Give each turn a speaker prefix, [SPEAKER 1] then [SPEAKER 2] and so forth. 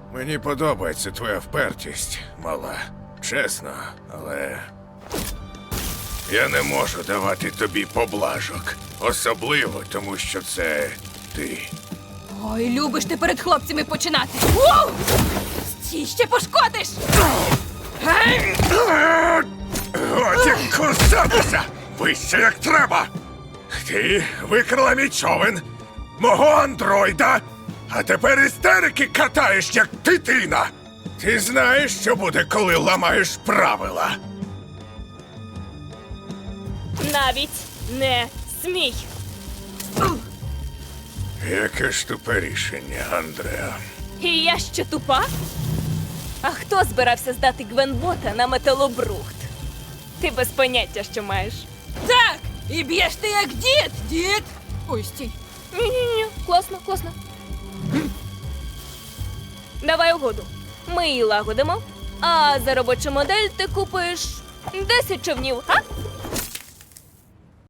[SPEAKER 1] Мені подобається твоя впертість, мала. Чесно, але я не можу давати тобі поблажок. Особливо, тому що це ти.
[SPEAKER 2] Ой, любиш ти перед хлопцями починати. Воу! Стій, ще пошкодиш!
[SPEAKER 1] Годі кусатися! Вище як треба! Ти викрала мій човен, мого андроїда, а тепер істерики катаєш, як дитина! Ти знаєш, що буде, коли ламаєш правила?
[SPEAKER 3] Навіть не смій.
[SPEAKER 1] Яке ж тупе рішення, Андреа.
[SPEAKER 3] І я ще тупа? А хто збирався здати Гвенбота на металобрухт? Ти без поняття, що маєш.
[SPEAKER 2] Так! І б'єш ти як дід! Дід! Ой, стій.
[SPEAKER 3] Ні-ні-ні, класно, класно. Давай угоду. Ми її лагодимо, а за робочу модель ти купиш 10 човнів, а?